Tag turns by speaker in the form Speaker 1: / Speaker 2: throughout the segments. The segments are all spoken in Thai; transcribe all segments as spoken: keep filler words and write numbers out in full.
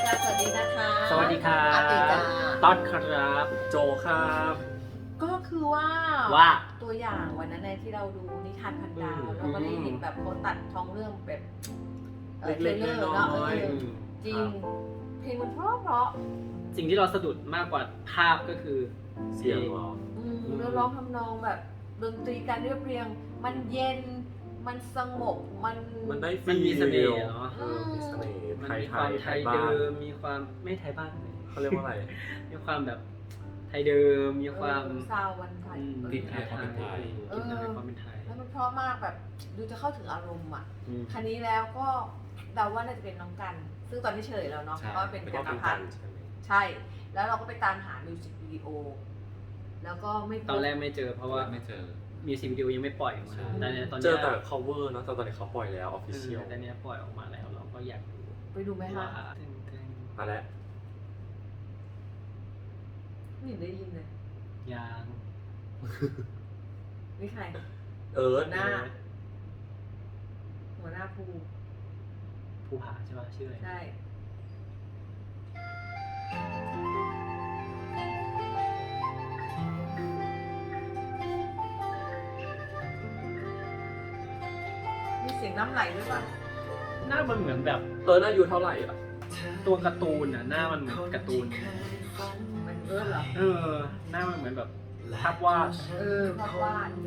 Speaker 1: ค่ะสวัสดีนะคะ
Speaker 2: สวัสดีครั
Speaker 1: อาติ
Speaker 2: บ
Speaker 1: จ้า
Speaker 2: ต้อนครับ
Speaker 3: โจครับ
Speaker 1: ก็คือว่า
Speaker 2: ว่า
Speaker 1: ตัวอย่างวันนั้นในที่เราดูนิทานพันดาว
Speaker 3: อืม
Speaker 1: เราก็ได้เห็นแบบเขาตัดท้องเรื่องแบบเอ่อ
Speaker 3: เล็กๆ
Speaker 1: ทรล
Speaker 3: น้
Speaker 1: เนาะเอ
Speaker 3: อย
Speaker 1: อ
Speaker 3: ๆอืม
Speaker 1: จริ
Speaker 3: ค
Speaker 1: ง
Speaker 3: บ
Speaker 1: เพลงมันเพราะเพราะ
Speaker 2: สิ่งที่เราสะดุดมากกว่าภาพก็คือ
Speaker 3: เสียงเหรอ
Speaker 1: อืม
Speaker 3: อืม
Speaker 1: แล้วร้องทำนองแบบดนตรีการเรียบเรียง มันเย็นมันสงบมัน
Speaker 3: มันได้
Speaker 2: มันมีเสน่ห์เนาะ
Speaker 3: เออมีเสน่ห์
Speaker 2: มัน
Speaker 3: ไทย
Speaker 2: มี
Speaker 3: ไท
Speaker 2: ความ
Speaker 3: ย
Speaker 2: ไท
Speaker 3: ไท
Speaker 2: ย
Speaker 3: ยบ้า
Speaker 2: เดิ
Speaker 3: น
Speaker 2: มมีความไม่ไทยบ้านเลย
Speaker 3: เขาเรียกว่าอะไร
Speaker 2: มีความแบบไทยเดิมมีความ
Speaker 1: เออซาววันไทย
Speaker 2: อืม
Speaker 3: ติดไทยความเป็นไทย
Speaker 2: ติดไทยความเป็นไทย
Speaker 1: แล้วมันเพราะมากแบบดูจะเข้าถึงอารมณ์อ่ะ
Speaker 3: อืม
Speaker 1: คันนี้แล้วก็เดาว่าน่าจะเป็นน้องกัน ซึ่งตอนที่เฉลยแล้วเนาะ
Speaker 3: ใช่
Speaker 1: ก็เป็น
Speaker 3: เป็น
Speaker 1: จักร
Speaker 3: กั
Speaker 1: พั
Speaker 3: น
Speaker 1: ฒน์
Speaker 3: ใช่ไหม
Speaker 1: ใช่ แล้วเราก็ไปตามหามิวสิกวิดีโอ แล้วก็ไม่พบ
Speaker 2: ตอนแรกไม่เจอเพราะว่า
Speaker 3: ไม่เจอ
Speaker 2: มีสิกวิดีโอยังไม่ปล่อยออกมา
Speaker 3: ใช่
Speaker 2: แต่เนี่ยตอน
Speaker 3: เจ
Speaker 2: เนี้
Speaker 3: อย แต่ cover เนอะแต่ตอนนี้เขาปล่อยแล้ว
Speaker 2: เอ
Speaker 3: official
Speaker 2: อแต่เนี้ยปล่อยออกมาแล้วเราก็อยากดู
Speaker 1: ไปดูไหมคะ
Speaker 2: ว่าถึงถึง
Speaker 3: มาแล้ว
Speaker 1: ไม่เห็นได้ยินเลย
Speaker 2: ยาง
Speaker 1: นี่ใคร
Speaker 3: เอิร์ธ
Speaker 1: หน้า หัวหน้าภู
Speaker 2: ภูผาใช่ป่ะชื่ออะไร
Speaker 1: ใช่ มีเสียงน้ำไหลด้วยป่ะ
Speaker 2: หน้ามันเหมือนแบบ
Speaker 3: เอิร์ธอายุเท่าไหร่อ่ะ
Speaker 2: ตัวการ์ตูนอ่ะหน้ามันเหมือนการ์ตูน
Speaker 1: มันเออเหรอ
Speaker 2: เออ หน้ามันเหมือนแบบภาพวาด
Speaker 1: เออภาพวาด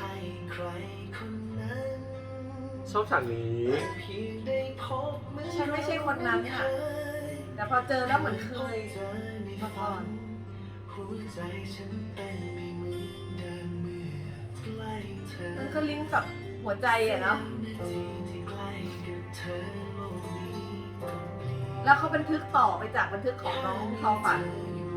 Speaker 3: ชอบฉากนี้
Speaker 1: ฉันไม่ใช่คนนั้นอ่ะ แต่พอเจอแล้วเหมือนเคยมาก่อน มันก็ลิงก์กับหัวใจอะเนาะ แล้วเขาบันทึกต่อไปจากบันทึกของน้องทอฝัน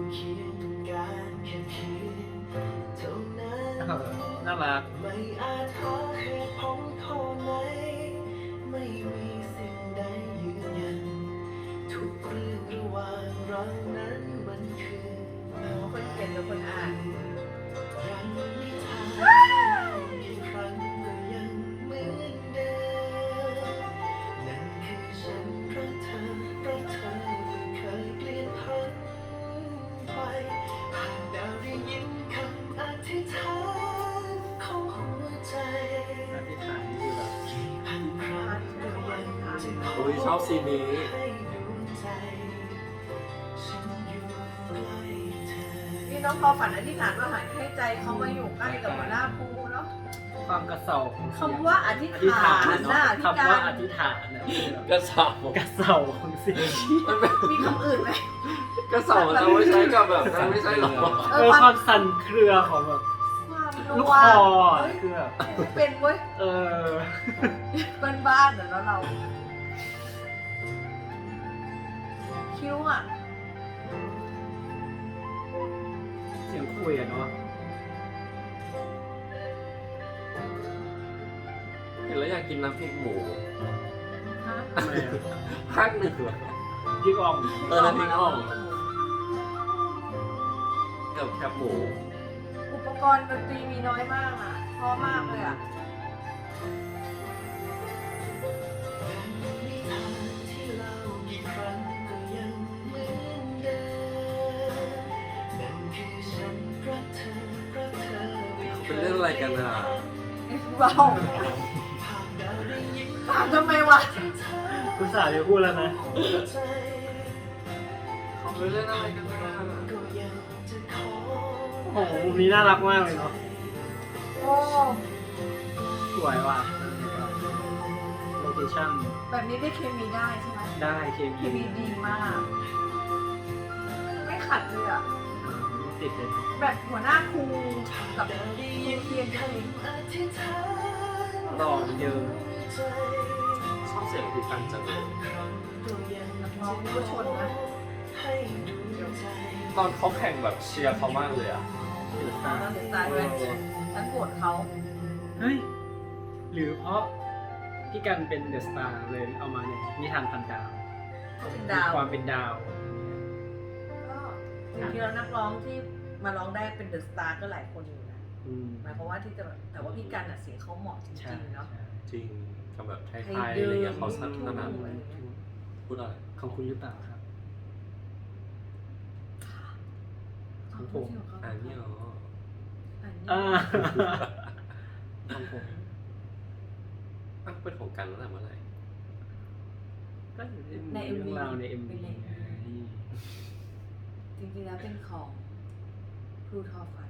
Speaker 2: เออน่ารัก
Speaker 4: ไม่อาจหาเหตุผลข้อไหนไม่มีสิ่งใดยืนยันทุกเรื่องระหว่างเรานั้นมันคือ
Speaker 1: คนเขียนหรือคนอ่าน
Speaker 4: รังนิทานกี่ครั้งก็ยังเหมือนเดิมนั่นคือฉันรักเธอรักเธอไม่เคยเปลี่ยนผันไปหากดาวได้ยินคำอธิษฐานของหัวใจ
Speaker 2: อธิษฐานนี่คือแบบ
Speaker 4: กี่พันครั้งก็ยังจะขอ
Speaker 3: โอ้ยชอบซีนนี้
Speaker 4: ให้ดวงใจฉันอยู่ใกล้เธอ
Speaker 1: นี่น้องทอฝันอธิษฐานว่าให้ใจเขามาอยู่ใกล้กับหัวหน้าภูเนาะ
Speaker 2: ความกระเซาของเสียง
Speaker 1: คำว่าอธิษ
Speaker 2: อธิษ
Speaker 1: ฐา
Speaker 2: ฐาน
Speaker 1: น
Speaker 2: เนาะ
Speaker 1: น่ะพี่
Speaker 2: คำ
Speaker 1: กา
Speaker 2: ว่าร อธิษฐานนะคือแบบ
Speaker 3: กระเสาก
Speaker 2: ระเซาของเสียง
Speaker 3: มันเป็น
Speaker 1: มีคำอื่นไหม
Speaker 3: กระเสามันจะไม่ใช่กับแบบนั้นไม่ใช่หรอ
Speaker 2: เออความสั่นเครือของแบบ
Speaker 1: ความ
Speaker 2: ลูก
Speaker 1: ว
Speaker 2: คอ
Speaker 1: เฮ้ย
Speaker 2: คือแบบ
Speaker 1: เป็นเว้ย
Speaker 2: เออ
Speaker 1: บ้านๆเดี๋ยวเรา คิ้วอ่ะ
Speaker 2: เสียงคุยอะเนาะ
Speaker 3: เห็นแล้วอยากกินน้ำพริกหมู
Speaker 1: ฮะ
Speaker 2: ทำไมอะ
Speaker 3: ภาคหนึ่งเหรอ
Speaker 2: พี่อ่อง
Speaker 3: เออน้ำพริกอ่อง กับแคบหมู
Speaker 1: อุปกรณ์ดนตรีมีน้อยมากอ่ะเพราะมากเลยอ่ะ
Speaker 4: นิทานที่เล่ากี่ครั้งก็ยังเหมือนเดิมนั่นคือฉันรักเธอรักเธอไม่คย
Speaker 3: เป็นเรื่องอะไรกันอ่ะ
Speaker 1: เบา
Speaker 4: ภาพดาวได้ยิน
Speaker 1: ถามทำไมวะ
Speaker 2: คุณสาวจะพูดแล้วนะ
Speaker 4: หัวใจ
Speaker 3: เขาเป็นเรื่องอะไรกันอ่ะ
Speaker 4: ก็ยังจะขอ
Speaker 2: โอ้โหมุมนี้น่ารักมากเลยเนาะ
Speaker 1: โอ้
Speaker 2: สวยว่ะโลเคชั่น
Speaker 1: แบบนี้ได้เคมีได้ใช่ไหม
Speaker 2: ได้เค
Speaker 1: เค
Speaker 2: มี
Speaker 1: มีดีมาก ไม่ขัดเลยอ่ะ
Speaker 2: ติดเลยเนาะ
Speaker 1: แบบหัวหน้าครูกับครูเทียนจริง
Speaker 4: อธิษฐาน
Speaker 2: หล่อเหมือนเดิม
Speaker 4: ใจ
Speaker 3: ชอบเสียงพี่กันจังเลย
Speaker 4: ก็ยัง
Speaker 1: นักร้องนี่ก็ชนนะ
Speaker 4: ให้ดวงใจ
Speaker 3: ตอนเขาแข่งแบบเชียร์เขามากเลยอ่ะ
Speaker 2: เดือด
Speaker 1: ตา
Speaker 2: ตาม
Speaker 1: เดือดตายเลยฉันโกรธเขา
Speaker 2: เฮ้ย หรือเพราะพี่กันเป็นเดอะสตาร์เลยเอามาเนี่ยนิทานพันดาว
Speaker 1: เขาเป็น
Speaker 2: มี
Speaker 1: ดาว
Speaker 2: ความเป็นดาว
Speaker 1: ก็จริงๆแล้วนักร้องที่มาร้องได้เป็นเดอะสตาร์ก็หลายคนอยู่นะ
Speaker 2: อืม
Speaker 1: หมายความว่าที่จะแบบแต่ว่าพี่กันอ่ะเสียงเขาเหมาะจ
Speaker 2: ใช่
Speaker 1: ริงๆเนาะ
Speaker 2: ใช่
Speaker 3: จริงกับแบบไทย
Speaker 1: ไท
Speaker 3: ๆ
Speaker 1: ยเดิม
Speaker 3: อะไรเงี้ยเขาถนัด
Speaker 1: อืม
Speaker 3: พูดอะไร
Speaker 2: ของคุณหรือเปล่าครับของผม
Speaker 1: ที่ของเขา
Speaker 3: อันนี้เหรอ
Speaker 1: อันนี้
Speaker 2: อ่าของผม
Speaker 3: อ่ะเป็นของกันตั้งแต่เมื่อไหร่
Speaker 2: ก็ในเรื่องราวในเอ็มวีไง
Speaker 1: จริงๆแล้วเป็นของครูทอฟัน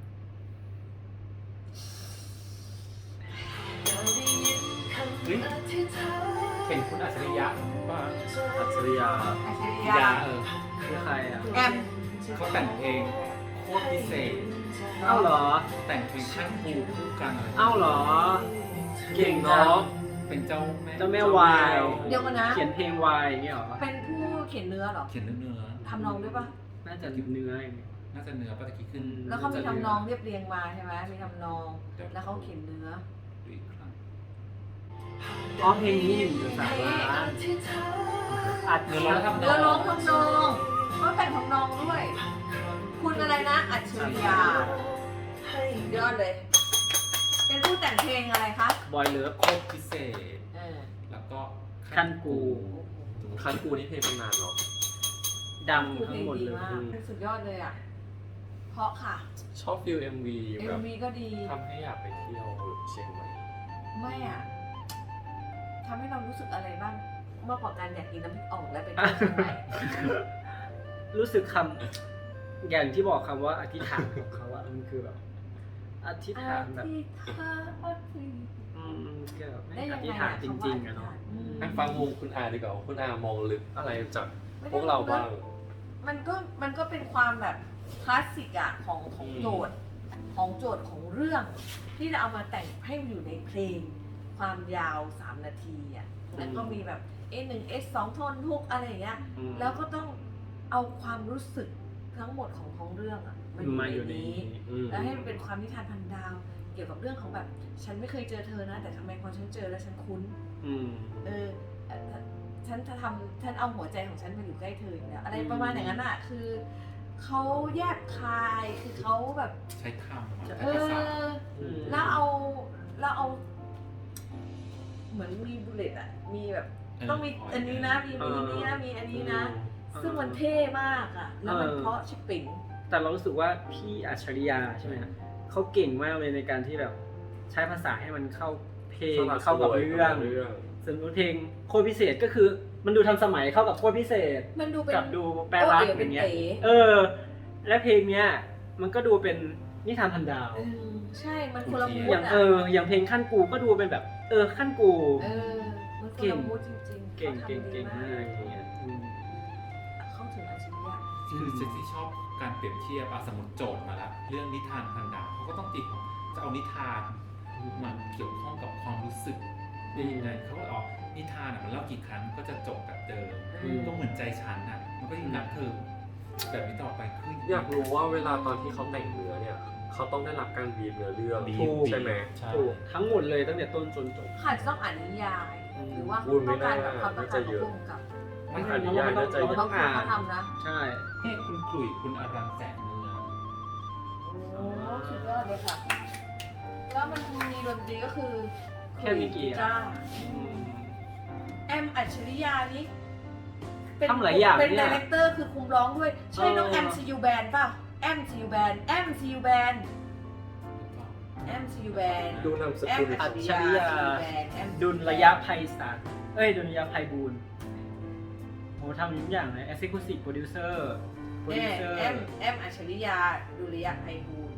Speaker 5: เฮ้ยเป็นคุณอัจฉริยะป่ะ
Speaker 3: อัจฉริยะ
Speaker 1: อัจฉริ
Speaker 5: ยาย
Speaker 1: ะ
Speaker 5: เออ
Speaker 2: คือใครอ่ะ
Speaker 1: แอม
Speaker 5: เขาแต่งเพลงโคตรพิเศษ
Speaker 2: เอ้าเหรอ
Speaker 5: แต่งเพลงขั้นครูคู่กันอะไร
Speaker 2: เอ้าเหรอ เก่ง
Speaker 3: เนาะ
Speaker 2: เนาะ
Speaker 5: เป็นเจ้าแม่
Speaker 2: เจ้าแม่วาย
Speaker 1: เดี๋ยวกันนะ
Speaker 2: เขียนเพลงวายอย่างเงี้ยเหรอ
Speaker 1: เป็นผู้เขียนเนื้อเหรอ
Speaker 5: เขียนเนื้อเนื้อ
Speaker 1: ทำนองด้วยปะ
Speaker 2: น่าจะเนื้ออย่างเงี้ย
Speaker 5: น่าจะเนื้อปะตะกี้ขึ้น
Speaker 1: แล้วเขามีทำนองเรียบเรียงมาใช่ไหมมีทำนอง แล้วเขาเขียนเนื้อ
Speaker 5: ดูอีกครั้ง
Speaker 2: อ๋อเพลงนี้อยู่สามล้านอัด
Speaker 5: เนื้อร้องทำน
Speaker 1: เนื้อ
Speaker 5: อง
Speaker 1: ร้องทำนองเขาแต่งทำนองด้วย คุณอะไรนะ อัจฉริยะยอดเลย เป็นผู้แต่งเพลงอะไรคะ
Speaker 2: บอยเลิฟ
Speaker 5: โคตรพิเศษ
Speaker 1: เออ
Speaker 5: แล้วก็
Speaker 2: คันกู
Speaker 3: คันกูนี่เพลงเป็นนานเนาะ
Speaker 2: ดัง
Speaker 1: คือเพ
Speaker 2: ทั้
Speaker 1: ล
Speaker 2: ง
Speaker 1: ง
Speaker 2: หมด
Speaker 1: ดี
Speaker 2: เลย
Speaker 1: มากเป็นสุดยอดเลยอ่ะ เพราะค่ะ
Speaker 3: ชอบฟิลเอ็มวี
Speaker 1: เอ็
Speaker 3: แบ
Speaker 1: ม
Speaker 3: บ
Speaker 1: วีก็ดี
Speaker 3: ทำให้อยากไปเที่ยวเชียงใหม่
Speaker 1: ไม่อ่ะทำให้เรารู้สึกอะไรบ้างเมื่อกว่าการอยากกินน้ำพริกอ่องและเป็นผู้ชาย
Speaker 2: รู้สึกคำอย่างที่บอกคำว่าอธิษฐานของเขาอะมันคือแบบอธิษฐานแบบ อืมเกี่ยวกับไม่
Speaker 1: ได้
Speaker 2: อ
Speaker 1: ยังไง
Speaker 2: ธิษฐานจริงๆอะเนาะ
Speaker 1: อืม
Speaker 3: ให้ฟังมุมคุณอาดีกว่าว่าคุณอามองลึกอะไรจากพวกเราบ้าง
Speaker 1: มันก็มันก็เป็นความแบบคลาสสิกอะของของ
Speaker 3: อืม
Speaker 1: โจทย์ของโจทย์ของเรื่อง ที่จะเอามาแต่งให้อยู่ในเพลง ความยาวสามนาทีอะแล้วก็มีแบบเอหนึ่งเอสองทนทุกอะไรอย่างเงี้ย
Speaker 2: อืม
Speaker 1: แล้วก็ต้องเอาความรู้สึกทั้งหมดของท้องเรื่องอะมา
Speaker 2: มาอ
Speaker 1: อยู่ ยู่
Speaker 2: ใน
Speaker 1: ใน
Speaker 2: นี้
Speaker 1: นี้
Speaker 3: อืม
Speaker 1: แล้วให้มันเป็นความนิทานพันดาว เกี่ยวกับเรื่องของแบบ ฉันไม่เคยเจอเธอนะ แต่ทำไมพอฉันเจอแล้วฉันคุ้น
Speaker 2: อืม
Speaker 1: เออเอ่อฉันจะทำฉันเอาหัวใจของฉันมาอยู่ใกล้เธออยู่แล้วอะไร
Speaker 2: อืม
Speaker 1: ประมาณอย่างนั้นอะคือเขาแยบคายคือเขาแบบ
Speaker 5: ใช้คำอะใช้
Speaker 1: เอ
Speaker 5: ภาษา
Speaker 1: อ
Speaker 2: อืม
Speaker 1: แล้วเอาแล้วเอา เหมือนมีบุลเลตอะมีแบบ ต้องมีอันนี้นะ มีมีนี้นะ มีอันนี้นะ ซึ่งมันเท่มากอะแล้วมันเพราะชิปปิง
Speaker 2: แต่เรารู้สึกว่าพี่อัจฉริยะใช่ไหมฮะเขาเก่งมากเลยในการที่แบบใช้ภาษาให้มันเข้าเพลงเข้ากับเรื่อง
Speaker 3: เรื่อง
Speaker 2: ส่วนเพลงโคตรพิเศษก็คือ มันดูทันสมัยเข้ากับโคตรพิเศษ
Speaker 1: มันดูเป็น
Speaker 2: กับดูแปลรัก
Speaker 1: โอ๋
Speaker 2: อย่างเงี้ย
Speaker 1: เป็นเต๋
Speaker 2: เออ และเพลงเนี้ยมันก็ดูเป็นนิทานพันดาว
Speaker 1: เออใช่ มันคนละมู
Speaker 2: อ
Speaker 1: ด
Speaker 2: ย่าง
Speaker 1: อะ
Speaker 2: เอออย่างเพลงขั้นกูก็ดูเป็นแบบ เออขั้นกู
Speaker 1: เออ มันคนละมูดจริงๆ
Speaker 2: เก่ง
Speaker 1: ขา
Speaker 2: เก่ง
Speaker 1: ทำดี
Speaker 2: เก่งมากอย่างเงี้ยอืม
Speaker 1: เข้าถึงอัจฉริยะ
Speaker 5: คือเจนที่ชอบการเปรียบเทียบอะสมมติโจทย์มาละเรื่องนิทานพันดาวเขาก็ต้องตีความจะเอานิทานมาเกี่ยวข้องกับความรู้สึกได้ยังไงเขาก็อ๋อนิทานอะมันเล่ากี่ครั้งก็จะจบแบบเดิม
Speaker 1: อืม
Speaker 5: ก็เหมือนใจฉันอะมันก็ยิ่งรักเธอแบบนี้ต่อไปคือ
Speaker 3: อยากรู้ว่าเวลาตอนที่เขาแต่งเนื้อเนี่ยเขาต้องได้รับการบีบเนื้อเรื่อง
Speaker 5: บีบ
Speaker 3: ใช่ไหม
Speaker 5: ใช่
Speaker 2: ถูกทั้งหมดเลยตั้งแต่ต้นจนจบ
Speaker 1: ค่ะจะต้องอ่านนิยาย
Speaker 2: อืม
Speaker 1: หรือว่า
Speaker 3: อุ้ยไม่
Speaker 1: ต้องการ
Speaker 3: น่า
Speaker 1: แบบความต้องการของผู้กำกับ
Speaker 3: ไม่อ่านนิยายน่าจะ
Speaker 2: เรา
Speaker 3: เย
Speaker 2: ต้
Speaker 3: อะ
Speaker 2: องอ่าน
Speaker 1: เขาทำนะ
Speaker 2: ใช่
Speaker 5: ให้คุณขลุ่ยคุณอารันแสงเมือง
Speaker 1: โอ้สุดยอดเลยค่ะ แล้วมันมีดนตรีก็คือ
Speaker 2: แค่มีกี่
Speaker 1: จ้า
Speaker 2: อืม
Speaker 1: แอมอัจฉริยานี่
Speaker 2: ทำหลายอย่าง
Speaker 1: เป็น
Speaker 2: เนี่
Speaker 1: ดี
Speaker 2: ย
Speaker 1: เรคเตอร์คือคุมร้องด้วย ใช่น้อง
Speaker 2: เออ
Speaker 1: แอมซียูแบนป่ะแอมซียูแบนแอมซียูแบนแอมซียูแบน
Speaker 3: ดูนามส
Speaker 1: แอม
Speaker 3: กุล
Speaker 1: อัจฉริยา
Speaker 2: ดุลระยะไพศาลเอ้ยดุลระยะไพบูลย์โอ้ทำทุกอย่างเลย Executive Producer
Speaker 1: แอ
Speaker 2: Producer
Speaker 1: แอมแอมอัจฉริยาดุริยะไพบูลย์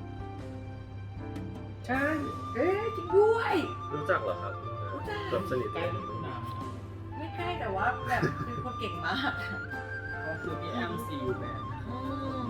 Speaker 1: ใช่ เอ๊ะจริงด้วย
Speaker 3: รู้จักเหรอครับ
Speaker 1: รู้จัก
Speaker 3: แบบสนิท
Speaker 5: ใก
Speaker 3: กั
Speaker 5: ล้
Speaker 3: น
Speaker 5: คุณน้ำ
Speaker 1: ไม่ใช่แต่ว่าแบบเป็นคนเก่งมาก
Speaker 2: ก็คือพี่แอมซียูแบน
Speaker 1: อืม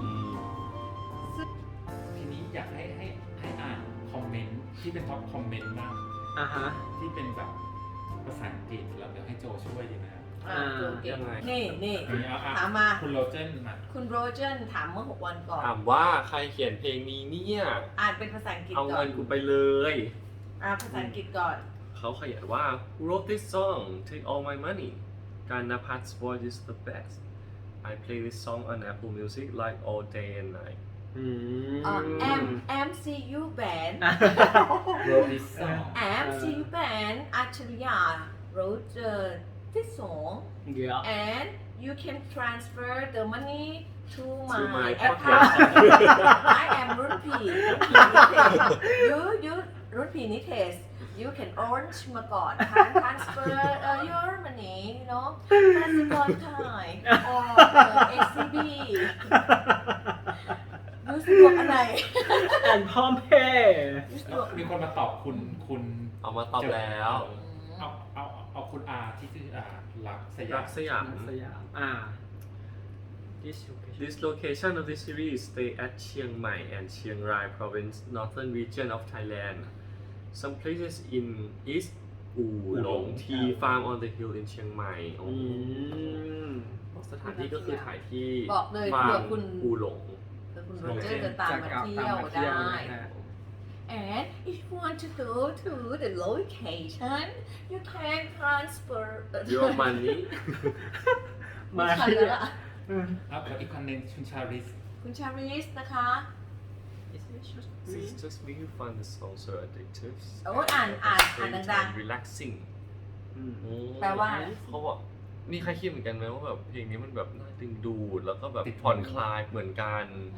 Speaker 5: ทีนี้อยากให้ให้ให้อ่านคอมเมนต์ที่เป็นท็อปคอมเมนต์บ้าง
Speaker 2: อ่ะฮะ
Speaker 5: ที่เป็นแบบภาษาอังกฤษแล้วเดี๋ยวให้โจช่วยดีไหมครับ
Speaker 1: อ่าตัวเก่ง
Speaker 3: ยังไง
Speaker 1: นี่นี่
Speaker 5: นี่เอาอ่ะ
Speaker 1: ถามมา
Speaker 5: คุณโรเจนมา
Speaker 1: คุณโรเจนถามเมื่อหกวันก่อน
Speaker 3: ถามว่าใครเขียนเพลงนี้เนี่ย
Speaker 1: อ่านเป็นภาษาอังกฤษ
Speaker 3: เอา
Speaker 1: ก่อ
Speaker 3: เงิ
Speaker 1: น
Speaker 3: นกูไปเลย
Speaker 1: อ่านภาษาอังกฤษก่อน
Speaker 3: เขาเขียนว่า Who wrote this song Take all my money Ganapat's voice is the best I play this song on Apple Music like all day and night
Speaker 2: อืม
Speaker 1: อ่า M M C U band
Speaker 5: โรดิสอง
Speaker 1: M C U band อัจฉริยะ Roger ที่สอง
Speaker 2: เดี๋ยว
Speaker 1: and you can transfer the money to
Speaker 3: To
Speaker 1: my
Speaker 3: my
Speaker 1: account
Speaker 3: podcast.
Speaker 1: I am รุ่นผียูยูรุ่นผีนิเทศ you can orange มาก่อน can transfer uh, your money you know กสิกรไทย or uh, เอ ซี บี ยูสะดวกอันไหน
Speaker 2: แอนพร้อมเพย์
Speaker 1: ยูสะดวก
Speaker 5: มีคนมาตอบคุณคุณ
Speaker 3: เอามาตอบแล้ว
Speaker 5: เอาเอาเอาคุณอาที่ชื่ออารักสยา
Speaker 3: รั
Speaker 5: ม
Speaker 3: กสยาม
Speaker 2: สยามอ่า This location
Speaker 3: This location of this series stay at Chiang Mai and Chiang Rai province, northern region of Thailand. Some places in East U Long Tea Farm on the hill in Chiang Mai.
Speaker 2: อืม
Speaker 3: สถานที่ก็คือถ่ายที่
Speaker 1: บอกเลย
Speaker 3: ฟา
Speaker 1: เผื่
Speaker 3: ร์
Speaker 1: อ
Speaker 3: ม
Speaker 1: คุณ
Speaker 3: อูหลง
Speaker 1: เผื่อคุณโรเจอร์จะตามมาเที่ยวได้ And if you want to go to the location, you can transfer
Speaker 3: Your money
Speaker 1: ไม่ทันแล้วล่ะ
Speaker 5: ครับแล้วอีกคนหนึ่งคุณชาริส
Speaker 1: คุณชาริสนะคะ
Speaker 3: This just make you find the song so addictive.
Speaker 1: โอ้ยอ่านอ่านอ่านดัง
Speaker 3: ๆ relaxing
Speaker 2: อืม
Speaker 1: แปลว่า
Speaker 3: เขาบอกมีใครคิดเหมือนกันไหมว่าแบบเพลงนี้มันแบบน่าดึงดูดแล้วก็แบบผ่อนคลายเหมือนกัน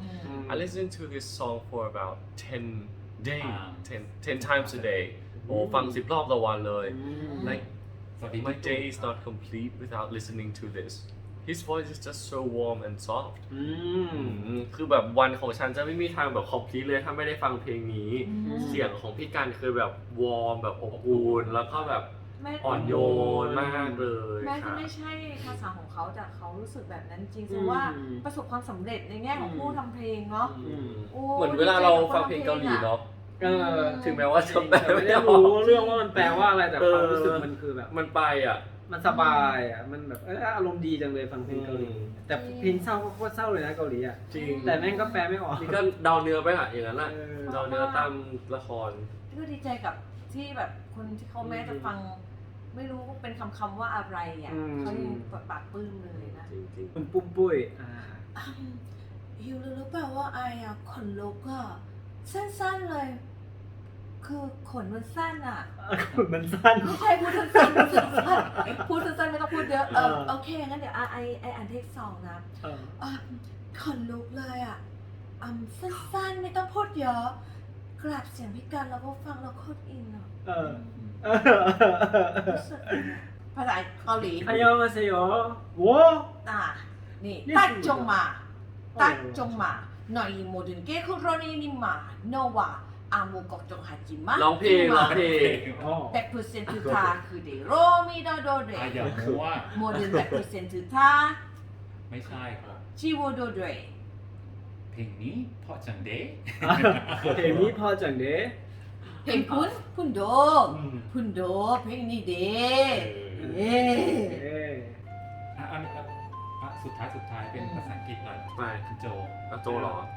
Speaker 3: I listened to this song for about ten days, ten ten times a day. โอ้ฟังสิบรอบต่อวันเลย Like
Speaker 5: สวัสดี
Speaker 3: my day is not complete without listening to this. His voice is just so warm and soft.
Speaker 2: อืม
Speaker 3: อืมคือแบบวันของฉันจะไม่มีทางแบบ complete เลยถ้าไม่ได้ฟังเพลงนี้
Speaker 1: อืม
Speaker 3: เสียงของพี่กันคือแบบวอร์มแบบอบอุ่นแล้วก็แบบ
Speaker 1: แม้
Speaker 3: อ่อนโยนมากเลย
Speaker 1: แม้จะ
Speaker 3: ค่ะ
Speaker 1: ไม่ใช่ภาษาของเขาแต่เขารู้สึกแบบนั้นจริง
Speaker 2: อื
Speaker 1: แส
Speaker 2: ม
Speaker 1: ดงว่าประสบความสำเร็จในแง่ของผู้ทำเพลงเนาะ
Speaker 3: อืม
Speaker 1: โอ้
Speaker 3: เหมือนเวลาเราฟังเพลงเกาหลีเนาะ
Speaker 2: เออ
Speaker 3: ถึงแม้ว่าจะแปล
Speaker 2: แต่ไม่
Speaker 3: ไม่
Speaker 2: ได้
Speaker 3: ได้
Speaker 2: รู้
Speaker 3: รู้
Speaker 2: เรื่องว่ามันแปลว่าอะไรแต่ความรู้สึก
Speaker 3: เออ
Speaker 2: มันคือแบบ
Speaker 3: มันไปอ่ะ
Speaker 2: มันสบายอ่ะ มันแบบเอออารมณ์ดีจังเลยฟังเพลงเกาหลี
Speaker 3: อืม
Speaker 2: แต่เพลงเศร้าก็โคตรเศร้าเลยนะเกาหลีอ่ะ
Speaker 3: จริง
Speaker 2: แต่แม่งก็แปลไม่ออก
Speaker 3: นี่ก็เดาเนื้อไปอ่ะอย่างนั้นแหละ
Speaker 2: เออ
Speaker 3: เดาเนื้อตามละคร
Speaker 1: ก็ดีใจกับที่แบบคนที่เขาแม้จะฟัง ไม่รู้เป็นคำคำๆว่าอะไรอ่ะ
Speaker 2: อืม
Speaker 1: เขายังปากปลื้มเลยนะ
Speaker 3: จริง
Speaker 2: คุณปุ้มปุ้ยอ่า
Speaker 1: ฮิวรู้หรือเปล่าว่าไออะขนลุกอะสั้นๆเลย คือขนมันสั้นอะ
Speaker 2: มันสั้น
Speaker 1: ใครพูดสั้นๆพูดสั้นๆพูดสั้นๆไม่ต้องพูดเยอะเออ
Speaker 2: เออ
Speaker 1: โอเคงั้นเดี๋ยวไอไอไออ่านเทคสองนะ
Speaker 2: เออ
Speaker 1: อ่ะขนลุกเลยอะอืมสั้นๆไม่ต้องพูดเยอะกราบเสียงพี่กันแล้วก็ฟังแล้วโคตรอินอะ
Speaker 2: เออ เออ
Speaker 1: รู้สึกอินอะภาษาเกาหลี
Speaker 2: อันยองอาเซโยโว้
Speaker 1: อ่ะนี่
Speaker 2: นี่
Speaker 1: ตัดจงมา
Speaker 2: โอ้
Speaker 1: ตัดจงมาหน่อยโมเดิร์นเก้คุโรนีนิมาโนวาอามูกอกจงฮาจิมะ
Speaker 3: ๆร้องเพลงร้องเพลง
Speaker 2: อ๋อ
Speaker 1: แบ็คเพอร์เซนต์ทาคือเดโรมิโดโดเด
Speaker 5: อาอย่ามั่ว
Speaker 1: โมเดิร์นแบ็คเพอร์เซนต์ทา
Speaker 5: ไม่ใช่ครับ
Speaker 1: ชิโวโดเด
Speaker 5: เพลงนี้เพราะจังเด้
Speaker 2: เพลงนี้พอจังเด้
Speaker 1: เพลงคุณคุณโด
Speaker 2: อืม
Speaker 1: คุณโดเพลงนี้เด
Speaker 5: เอ
Speaker 1: เย้
Speaker 2: เอ้ย
Speaker 5: อ่ะอันนี้อ่ะสุดท้ายสุดท้ายเป็นภาษาอังกฤษหน่อย
Speaker 3: ไป
Speaker 5: คุณโจ
Speaker 3: อ่ะโจเหรอ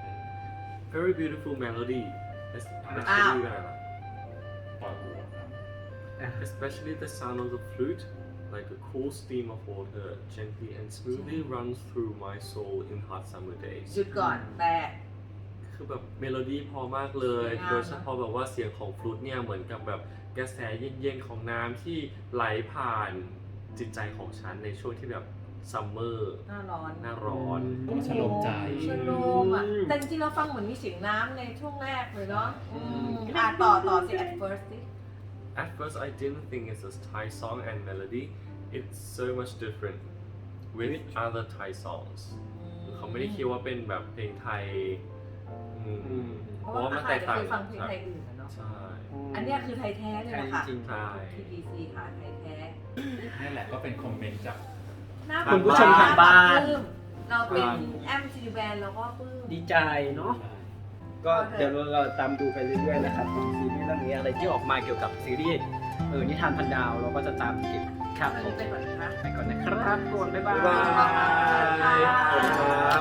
Speaker 3: very beautiful melody
Speaker 1: อ้าว
Speaker 3: especially อะไรล่ะ
Speaker 5: ปล่อยหัวครับ
Speaker 3: especially the sound of the flute like a cool stream of water gently and smoothly runs through my soul in hot summer days
Speaker 1: หยุดก่อนแต่
Speaker 3: คือแบบเมโลดี้พอมากเลย
Speaker 1: สวยงาม
Speaker 3: โดยเฉพาะแบบว่าเสียงของฟลุตเนี่ยเหมือนกับแบบกระแสเย็นๆของน้ำที่ไหลผ่านจิตใจของฉันในช่วงที่แบบซัมเมอร์
Speaker 1: หน้าร้อน
Speaker 3: หน้าร้อน
Speaker 5: ก็ชโลมใจ
Speaker 1: ชโลมอ่ะแต่จริงๆเราฟังเหมือนมีเสียงน้ำในช่วงแรกเลยเนาะอืมอ่ะต่อต่อสิ at first สิ
Speaker 3: At first I didn't think it's a Thai song and melody it's so much different with other Thai songs เขาไม่ได้คิดว่าเป็นแบบเพลงไทยอืม
Speaker 2: อืม
Speaker 1: เพ
Speaker 3: เพ
Speaker 1: ราะ
Speaker 3: ราะ
Speaker 1: ว่า
Speaker 3: ว่ามัน
Speaker 1: อา
Speaker 3: แต
Speaker 1: จ
Speaker 3: ก
Speaker 1: จะ
Speaker 3: ต่าง
Speaker 1: เคยฟังเพลงไทยอื่นอะเนาะ
Speaker 3: ใช่
Speaker 1: อันเนี้ยคือไทยแท้เลยนะคะ
Speaker 2: จริง
Speaker 3: ใช่
Speaker 1: ที ดี ซี ค่ะไทยแท้
Speaker 5: นี่แหละก็เป็นคอมเมนต์จาก
Speaker 1: น่า
Speaker 2: คุณผู้ชมทางบ้าน
Speaker 1: ปลื้มเราเป็นแอมซีแบนเราก็ปลื้ม
Speaker 2: ดีใจเนาะ ก็เดี๋ยวเราตามดูไปเรื่อยๆนะครับของซีรีส์เรื่องนี้อะไรที่ออกมาเกี่ยวกับซีรีส์เออนิทานพันดาวเราก็จะตามเก็บครับผม
Speaker 1: ไปก่อนนะคะ
Speaker 2: ไปก่อนนะครับทุกคนบ๊ายบา
Speaker 3: บ๊ายบาย
Speaker 2: ย
Speaker 3: ขอบคุณครับ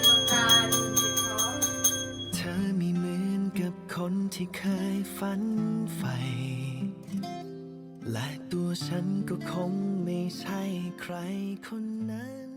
Speaker 4: เธอไม่เหมือนกับคนที่เคยฝันใฝ่และตัวฉันก็คงไม่ใช่ใครคนนั้น